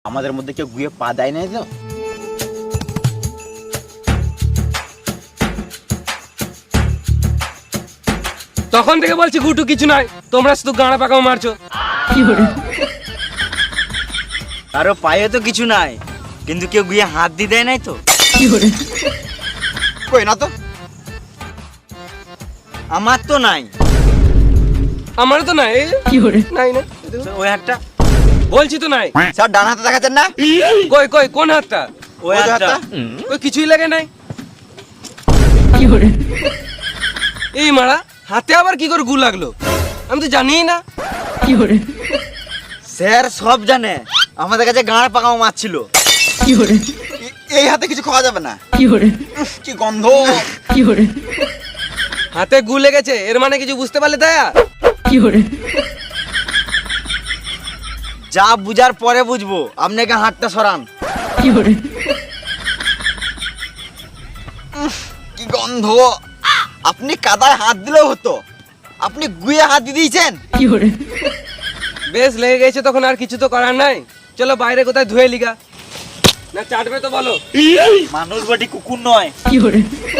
আমাদের মধ্যে কেউ গুয়ে পা দেয় নাই তো? তখন থেকে বলছি গুটু কিছু নয়, তোমরা শুধু গাঁড়া পাকাও মারছো। কারো পায়ে তো কিছু নাই, কিন্তু কেউ গুয়ে হাত দিয়ে দেয় নাই তো? কই না তো। আমার তো নাই। আমারও তো নাই। নাই না, ওই হাতটা, বলছি তো নাই। স্যার ডান হাতে দেখাচ্ছেন না? কই কই কোন হাতটা? ওই ওই হাতটা। হাতটা। কই কিছুই লাগে নাই। এই মারা হাতে আবার কি করে গু লাগলো? আমি তো জানিই না। স্যার সব জানে, আমাদের কাছে গাঁড় পাকাও মাছ ছিল। এই হাতে কিছু খাওয়া যাবে না। কি গন্ধ। হাতে গু লেগেছে, এর মানে কিছু বুঝতে পারলে দয়া? যা বুঝার পরে বুঝবো, আপনাকে হাতটা সরান। কি গন্ধ। আপনি কাদায় হাত দিলেও হতো, আপনি গুয়ে হাত দিয়ে দিয়েছেন। বেশ লেগে গেছে তখন আর কিছু তো করার নাই। চলো বাইরে কোথায় ধুয়ে লিগা, না চাটবে তো বলো। মানুষ বাটি কুকুর নয়।